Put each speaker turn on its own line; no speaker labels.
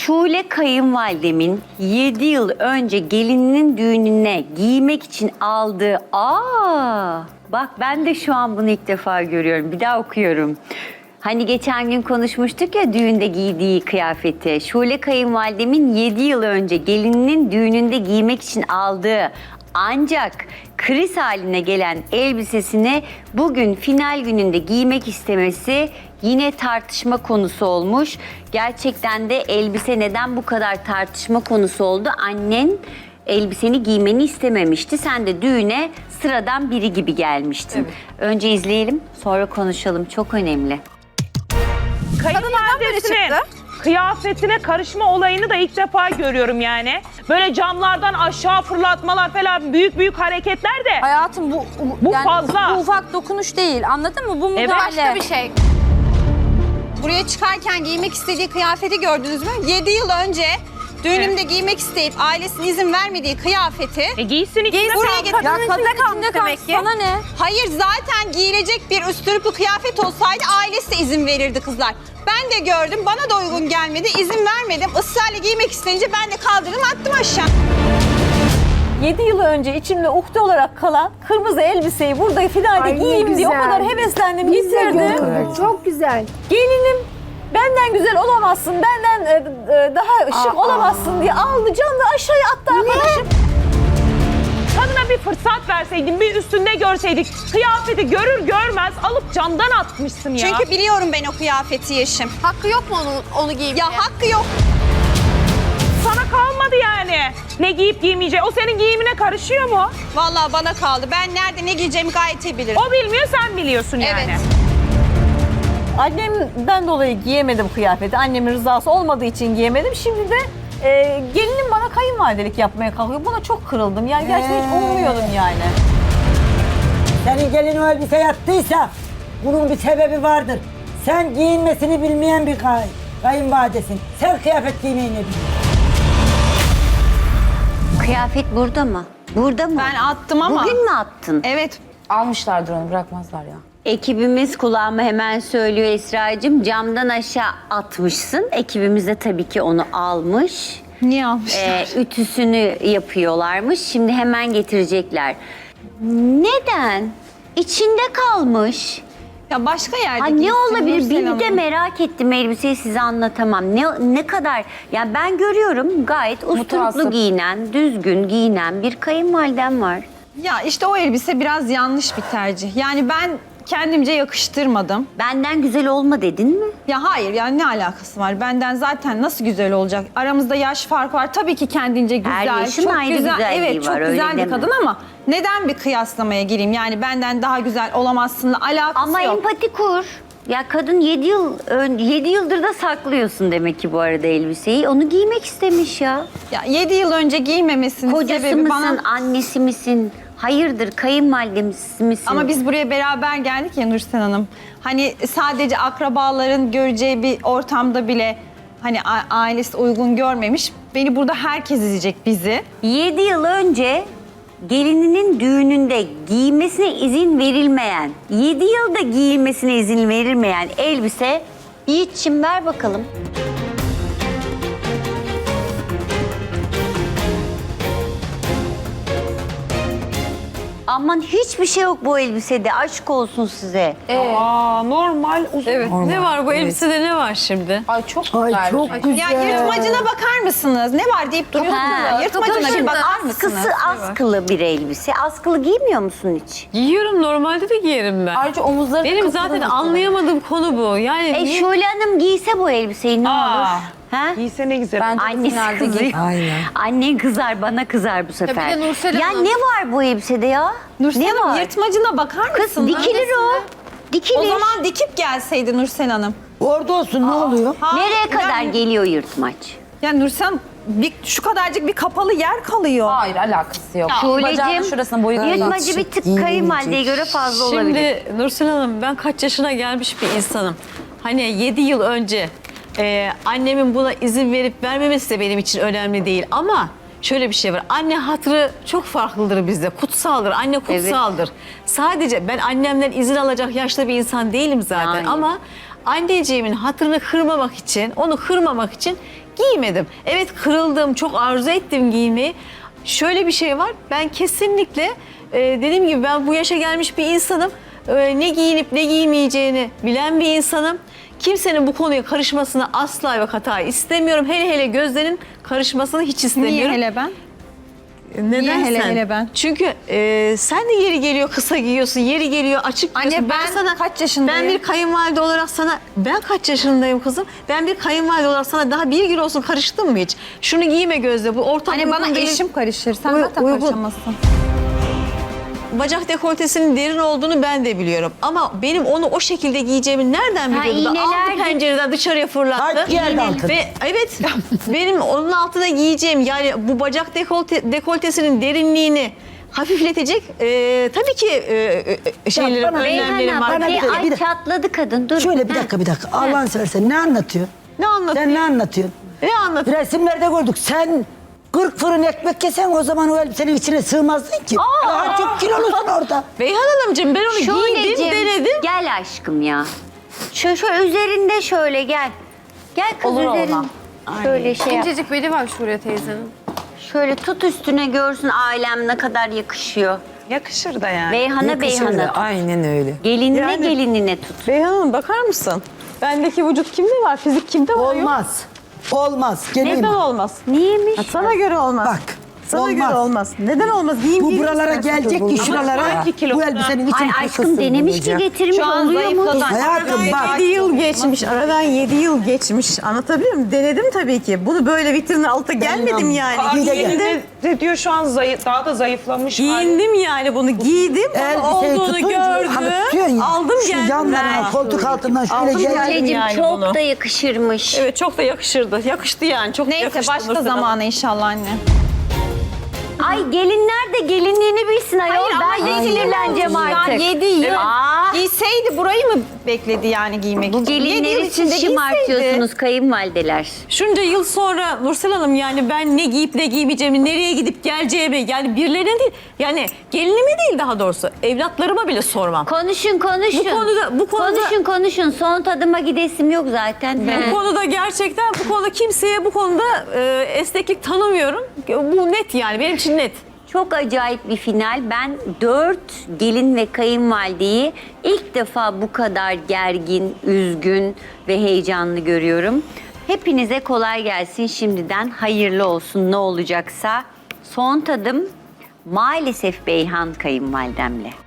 Şule kayınvalidemin 7 yıl önce gelininin düğününe giymek için aldığı... Bak ben de şu an bunu ilk defa görüyorum. Bir daha okuyorum. Hani geçen gün konuşmuştuk ya düğünde giydiği kıyafeti. Şule kayınvalidemin 7 yıl önce gelininin düğününde giymek için aldığı ancak kriz haline gelen elbisesini bugün final gününde giymek istemesi yine tartışma konusu olmuş. Gerçekten de elbise neden bu kadar tartışma konusu oldu? Annen elbiseni giymeni istememişti. Sen de düğüne sıradan biri gibi gelmiştin.
Evet.
Önce izleyelim, sonra konuşalım. Çok önemli.
Kayınvalidesinin kıyafetine karışma olayını da ilk defa görüyorum yani. Böyle camlardan aşağı fırlatmalar falan büyük büyük hareketler de.
Hayatım
Bu
yani
fazla.
Bu ufak dokunuş değil. Anladın mı? Bu
Evet.
müdahale.
Başka bir şey. Buraya çıkarken giymek istediği kıyafeti gördünüz mü? 7 yıl önce düğünümde giymek isteyip ailesinin izin vermediği kıyafeti
Giysin içine
buraya
kalsın.
getir.
Ya kadın kalmış demek ki. Sana ne?
Hayır, zaten giyilecek bir üstürüplü kıyafet olsaydı ailesi de izin verirdi kızlar. Ben de gördüm, bana da uygun gelmedi, izin vermedim. Israrla giymek isteyince ben de kaldırdım, attım aşağı.
7 yıl önce içimde ukde olarak kalan kırmızı elbiseyi burada finalde
Ay, ne
giyeyim diye o
güzel.
kadar heveslendim,
Biz de
getirdim.
gördük. Çok güzel.
Gelinim benden güzel olamazsın, benden daha şık olamazsın diye aldı camda aşağıya attı arkadaşım.
Kadına bir fırsat verseydin, bir üstünde görseydik. Kıyafeti görür görmez alıp camdan atmışsın ya.
Çünkü biliyorum ben o kıyafeti Yeşim.
Hakkı yok mu onu giymeye?
Ya hakkı yok.
sana kalmadı yani. Ne giyip giymeyeceği. O senin giyimine karışıyor mu?
Vallahi bana kaldı. Ben nerede ne giyeceğimi gayet iyi bilirim.
O bilmiyor, sen biliyorsun yani.
Evet.
Annemden dolayı giyemedim kıyafeti. Annemin rızası olmadığı için giyemedim. Şimdi de gelinim bana kayınvalidelik yapmaya kalkıyor. Buna çok kırıldım. Yani gerçekten hiç ummuyordum yani.
Senin gelin o elbise yattıysa bunun bir sebebi vardır. Sen giyinmesini bilmeyen bir kayınvalidesin. Sen kıyafet giymeyi ne biliyorsun?
Kıyafet burada mı? Burada mı?
Ben attım ama.
Bugün mü attın?
Evet.
Almışlardır onu, bırakmazlar ya.
Ekibimiz kulağıma hemen söylüyor Esra'cığım, camdan aşağı atmışsın. Ekibimiz de tabii ki onu almış.
Niye almışlar?
Ütüsünü yapıyorlarmış. Şimdi hemen getirecekler. Neden? İçinde kalmış.
Ya başka yerde
Ha,
giysin
ne olabilir?
Nursel
Bir de
Hanım.
merak ettim, elbiseyi size anlatamam. Ne kadar, yani ben görüyorum gayet usturuplu
Mutasip.
giyinen, düzgün giyinen bir kayınvalidem var.
Ya işte o elbise biraz yanlış bir tercih. Yani ben kendimce yakıştırmadım.
Benden güzel olma dedin mi?
Ya hayır, yani ne alakası var? Benden zaten nasıl güzel olacak? Aramızda yaş farkı var. Tabii ki kendince güzel.
Her yaşın
çok
ayrı
güzel.
güzelliği
Evet, çok
var, öyle
güzel bir
deme.
kadın ama neden bir kıyaslamaya gireyim? Yani benden daha güzel olamazsınla alakası
Ama
yok.
empati kur. Ya kadın 7 yıldır da saklıyorsun demek ki bu arada elbiseyi. Onu giymek istemiş ya.
Ya 7 yıl önce giymemesinin
Kocası
sebebi
mısın,
bana...
annesi misin? Hayırdır, kayınvalidemiz misin?
Ama biz buraya beraber geldik ya Nursel Hanım. Hani sadece akrabaların göreceği bir ortamda bile hani ailesi uygun görmemiş. Beni burada herkes izleyecek, bizi.
7 yıl önce gelininin düğününde giymesine izin verilmeyen, 7 yılda giyilmesine izin verilmeyen elbise, Yiğit'ciğim ver bakalım. Aman hiçbir şey yok bu elbisede, aşk olsun size.
Aa, normal uzun.
Evet. Ne var bu elbisede, ne var şimdi?
Ay çok güzel.
Ay çok güzel.
Ya yırtmacına bakar mısınız? Ne var deyip duruyorsunuz
Ha,
ya. Yırtmacına bir
şimdi
bakar mısınız?
askısı askılı bir elbise. Askılı giymiyor musun hiç?
Giyiyorum, normalde de giyerim ben.
Ayrıca omuzları
Benim zaten anlayamadığım konu bu. Yani
Şule Hanım giyse bu elbiseyi ne
Aa.
olur? Ha?
Giyse ne güzel.
Bence
Annesi
finalde giy.
kızıyor.
Aynen.
Annen kızar, bana kızar bu sefer.
bir de Nursel
Ya
Hanım.
ne var bu elbisede ya?
Nursel
ne
Hanım
var?
yırtmacına bakar
Kız
mısınız?
dikilir o. Dikilir.
O zaman dikip gelseydi Nursel Hanım.
Orada olsun ne oluyor?
Nereye kadar
Yani,
geliyor yırtmaç?
yani Nursel Hanım, şu kadarcık bir kapalı yer kalıyor.
Hayır, alakası yok.
Şule'cim,
Bacağının şurasına boyu
yırtmacı bir tık kayınvalideye göre fazla olabilir.
Şimdi Nursel Hanım, ben kaç yaşına gelmiş bir insanım. Hani 7 yıl önce annemin buna izin verip vermemesi de benim için önemli değil. Ama şöyle bir şey var. Anne hatırı çok farklıdır bizde. Kutsaldır. Anne kutsaldır. Sadece ben annemden izin alacak yaşta bir insan değilim zaten.
Yani.
Ama anneciğimin hatırını kırmamak için, onu kırmamak için giymedim. Evet kırıldım, çok arzu ettim giymeyi. Şöyle bir şey var, ben kesinlikle dediğim gibi ben bu yaşa gelmiş bir insanım. Ne giyinip ne giymeyeceğini bilen bir insanım. Kimsenin bu konuya karışmasını asla ve kata istemiyorum. Hele hele Gözde'nin karışmasını hiç istemiyorum.
Niye hele ben?
Neden
Niye hele
sen?
hele ben?
Çünkü sen de yeri geliyor kısa giyiyorsun, yeri geliyor açık
Anne,
giyiyorsun.
ben kaç yaşındayım?
Ben bir kayınvalide olarak sana, ben kaç yaşındayım kızım? Ben bir kayınvalide olarak sana daha bir gün olsun karıştım mı hiç? Şunu giyme Gözde, bu ortam
Hani
uygun
bana
değil.
eşim karışır. Sen
Uy-
zaten
uygun.
karışamazsın.
Bacak dekoltesinin derin olduğunu ben de biliyorum. Ama benim onu o şekilde giyeceğimi nereden
Ha,
biliyordu da
iğneler
aldı pencereden dışarıya fırlattı.
Kaç yerde altın?
Ve evet benim onun altına giyeceğim yani bu bacak dekoltesinin derinliğini hafifletecek tabii ki şeylerim,
bana-
önlemlerim
Beyhan
var.
abla,
Bir dakika,
ay
bir dakika.
çatladı kadın, dur.
Şöyle bir
Ha.
dakika. Allah'ını seversen ne anlatıyorsun?
Ne anlatayım?
Sen ne anlatıyorsun?
Ne anlatayım?
Resimlerde gördük. Sen 40 fırın ekmek yesen o zaman o elbisenin içine sığmazdın ki. Daha çok kilolusun orada.
Beyhan Hanımcığım ben onu giydim,
Şöleciğim,
denedim.
gel aşkım ya. Şu üzerinde şöyle gel. Gel kız
Olur
üzerinde.
olma.
Şöyle şey yap.
İncecik beli var Şule teyzenin.
Şöyle tut üstüne görsün ailem ne kadar yakışıyor.
Yakışır da yani.
Beyhan'a Beyhan'a tut.
Aynen öyle.
Gelinine
Yani-
gelinine tut.
Beyhan Hanım bakar mısın? Bendeki vücut kimde var? Fizik kimde var? Yok.
Olmaz. Olmaz. Geleyim.
Neden olmaz?
Niyeymiş?
Sana göre olmaz.
Bak.
Sana
olmaz.
göre olmaz. Neden olmaz? Giyim
Bu
giyim
buralara
istersen
gelecek ki
olmaz.
şuralara
iki kilo
bu
falan.
elbisenin
Ay
içine
aşkım denemiş ki getirmiş
Şu an
oluyor mu?
zayıfladı.
Hayatım bak.
7 yıl geçmiş. Aradan 7 yıl geçmiş. Anlatabiliyor muyum? Denedim tabii ki. Bunu böyle vitrinin alta gelmedim yani.
Aa,
Bir de
giyindi
gel.
de diyor şu an daha da zayıflamış.
Giyindim yani bunu giydim.
Elbiseyi
Olduğunu
tutunca hani
gördüm.
tutuyorsun ya.
Aldım
Şu
geldim.
yanlarına
ben.
koltuk altından şöyle
Aldım
gel.
geldim.
Anneciğim
yani
çok
bunu.
da yakışırmış.
Evet çok da yakışırdı. Yakıştı yani. Çok
Neyse
yakıştı
başka
Nursel Hanım.
zamana inşallah anne.
Ay gelinler de gelinliğini bilsin ayol. Ben de sinirleneceğim artık.
7 yıl
Aa,
giyseydi burayı mı bekledi yani giymek
bu
için? 7 yıl
gelinleri
içinde
siz şımartıyorsunuz kayınvalideler.
Şunca yıl sonra Nursel Hanım yani ben ne giyip ne giymeyeceğimi, nereye gidip geleceğimi yani birilerine değil yani gelinime değil daha doğrusu evlatlarıma bile sormam.
Konuşun.
Bu konuda-
Konuşun. Son tadıma gidesim yok zaten.
Bu konuda gerçekten bu konuda kimseye bu konuda esneklik tanımıyorum. Bu net yani benim için net.
Çok acayip bir final. Ben 4 gelin ve kayınvalideyi ilk defa bu kadar gergin, üzgün ve heyecanlı görüyorum. Hepinize kolay gelsin şimdiden. Hayırlı olsun ne olacaksa. Son tadım maalesef Beyhan kayınvalidemle.